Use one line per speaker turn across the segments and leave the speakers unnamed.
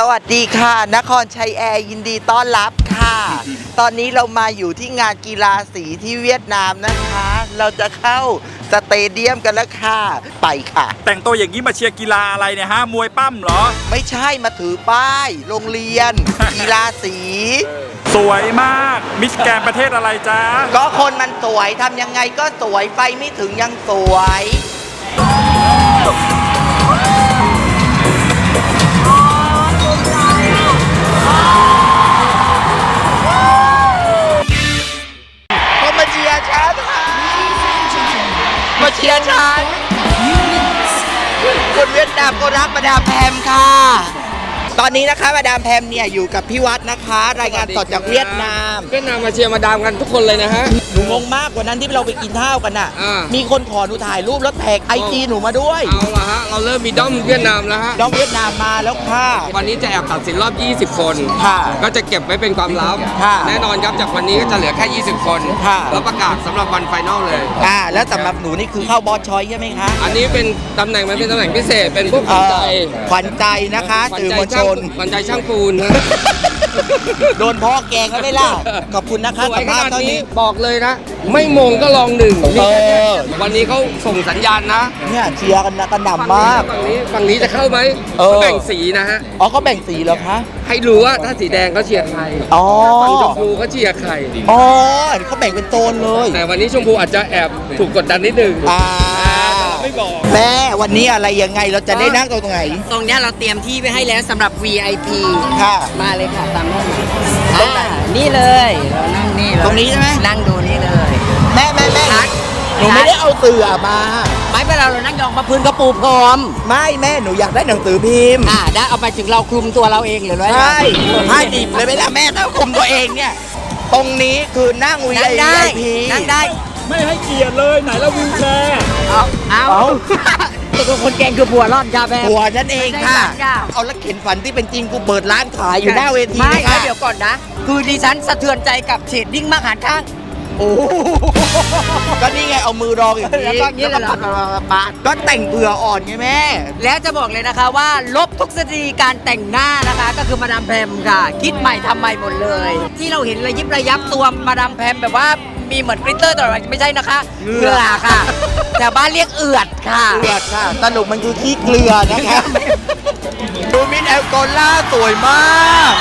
วัสดีค่ะนครชัยแอร์ยินดีต้อนรับค่ะ ตอนนี้เรามาอยู่ที่งานกีฬาสีที่เวียดนามนะคะ เราจะเข้าสเตเดียมกันแล้วค่ะไปค่ะ
แต่งตัวอย่างนี้มาเชียร์กีฬาอะไรเนี่ยฮะมวยปั้มเหรอ
ไม่ใช่มาถือป้ายโรงเรียน กีฬาสี
สวยมากมิสแกรนด์ประเทศอะไรจ๊ะ
ก็คนมันสวยทำยังไงก็สวยไฟไม่ถึงยังสวยมาเชียร์ฉันค่ะมาเชียร์ฉันคนเวียดนามก็รักมาดามแพมค่ะตอนนี้นะคะมาดามแพมเนี่ยอยู่กับพี่วัดนะคะรายงานสดจากเวียดนาม
มาเชียร์มาดามกันทุกคนเลยนะฮะ
หนูงงมากกว่านั้นที่เราไปกินข้าวกันน่ะมีคนขอหนูถ่ายรูปแล้วแท็กไอจีหนูมาด้วย
เอาละฮะเราเริ่มมีด้อมเวียดนามแล้วฮะ
ด้อมเวียดนามมาแล้วค่ะ
วันนี้จะแอบตัดสินรอบ20คน
ค่ะ
ก็จะเก็บไว้เป็นความลับแน่นอนครับจากวันนี้ก็จะเหลือแค่20คนแล้วประกาศสำหรับวันไฟนอลเลย
แล้วสำหรับหนูนี่คือเข้าบอสชอยใช่ไหมคะ
อันนี้เป็นตำแหน่งมันเป็นตำแหน่งพิเศษเป็นพวกข
วัญใจนะคะสื่อมวลชน
ขวัญใจช่างปูนนะ
โดนพ่อแกงแล้วไม่ล่ะขอบคุณนะคะ
สภาพเท่านี้บอกเลยนะไม่มงก็ลองหนึ่งวันนี้เขาส่งสัญญาณนะ
เนี่ยเชียร์กันนะกันหนำมาก
ฝั่งนี้จะเข้าไหมเขาแบ่งสีนะฮะ
เขาแบ่งสีเหรอคะ
ให้รู้ว่าถ้าสีแดงเขาเชียร์ใครฝั่งชมพูเขาเชียร์ใคร
เขาแบ่งเป็นโซนเลย
แต่วันนี้ชมพูอาจจะแอบถูกกดดันนิดนึงไม่บอก
แม่วันนี้อะไรยังไงเราจะได้นั่งตรงไหน
ตรงนี้เราเตรียมที่ไว้ให้แล้วสำหรับ VIP
ค่ะ
มาเลยค่ะตามนี้นี่เลยเรานั่งนี่
ตรงนี้ใช่ไหม
นั่งดูนี่เลย
แม่หนูไม่ได้เอาเสื่อมา
ไม่เป็นเรานั่งยองมาพื้นกระปูพร้อม
ไม่แม่หนูอยากได้หนังสือพิมพ์
ได้เอาไปถึงเราคลุมตัวเราเองหรือ
ใช่ให้ดิบเลยไม่ละแม่ต้องคลุมตัวเองเนี่ยตรงนี้คือนั่ง VIP
นั่งได้
ไม่ให้เกียรติเลยไหนแล้ววิวแชร์
เอาตัวคนแกงคือบัวรอดค่ะแม่
บัวนั่นเองค่ะเอาแล้วเข็นฝันที่เป็นจริงกูเปิดร้านขายอยู่หน้าเวที
ไม่เดี๋ยวก่อนนะคือดิฉันสะเทือนใจกับเฉดดิ้งมากหันข้าง
โอ้ก็นี่ไงเอามือรองอย่างนี้
แล้วก็นี้เลย
ก็แต่งเผื่ออ่อนไงแม่
แล้วจะบอกเลยนะคะว่าลบทุกสตรีการแต่งหน้านะคะก็คือมาดามแพมค่ะคิดใหม่ทำใหม่หมดเลยที่เราเห็นระยิบระยับตัวมาดามแพมแบบว่ามีเหมือนกริตเตอร์ตลอดไม่ใช่นะคะเกลือค่ะแต่บ้านเรียกเอือดค่ะ
สรุปมันคือขี้เกลือนะคะดูมินแอลกอล่าสวยมาก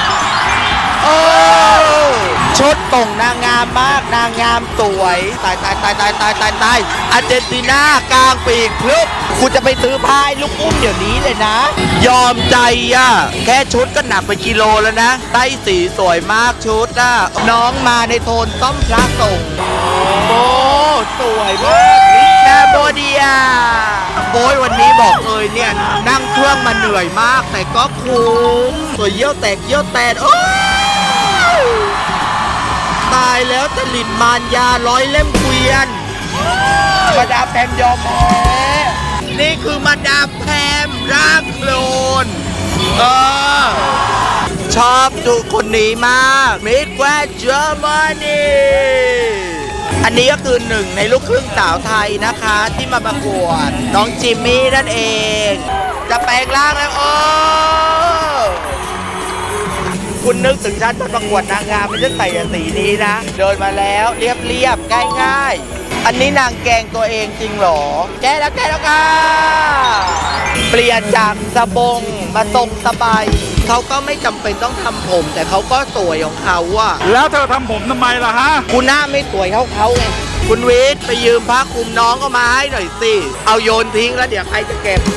ชุดต่งนางงามมากนางงามสวยตายอาร์เจนตินากลางปีกพลึบคุณจะไปซื้อพายลูกอุ้มเดี๋ยวนี้เลยนะยอมใจแค่ชุดก็หนักไปกิโลแล้วนะไต้สีสวยมากชุดน้องมาในโทนต้อมพระส่งโอ้สวยมากแคโบเดียโอ้ยวันนี้บอกเลยเนี่ยนั่งเครื่องมาเหนื่อยมากแต่ก็คุ้มสวยเยี่ยวแตกโอ้ตายแล้วตลิดมารยาร้อยเล่มเกวียนมาดามแพมยอมแพ้นี่คือมาดามแพมร่างโคลนชอบดูคนนี้มากมิสแกรนด์เยอรมนีอันนี้ก็คือหนึ่งในลูกครึ่งสาวไทยนะคะที่มาประกวดน้องจิมมี่นั่นเองจะแปลงร่างแล้วคุณนึกถึงฉันตอนประกวดนางงามไม่ใช่ใส่สีนี้นะเดินมาแล้วเรียบง่ายอันนี้นางแกงตัวเองจริงหรอแกแล้วค่ะเปลี่ยนจากสบงมาทรงสบายเขาก็ไม่จำเป็นต้องทำผมแต่เขาก็สวยของเขา
แล้วเธอทำผมทำไมล่ะฮะ
คุณหน้าไม่สวยเขาไงคุณวิทย์ไปยืมผ้าคลุมน้องก็มาให้หน่อยสิเอาโยนทิ้งแล้วเดี๋ยวใครจะเก็บ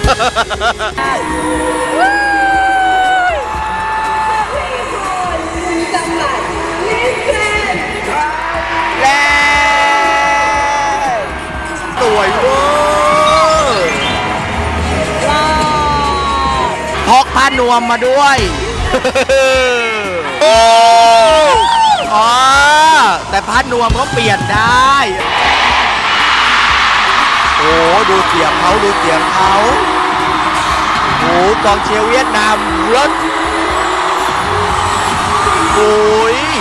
สวยเวอร์พกผ้านวมมาด้วยแต่ผ้านวมเขาเปลี่ยนได้โอ้ดูเสียงเขาโอ้กองเชียร์เวียดนามรถโอ้ย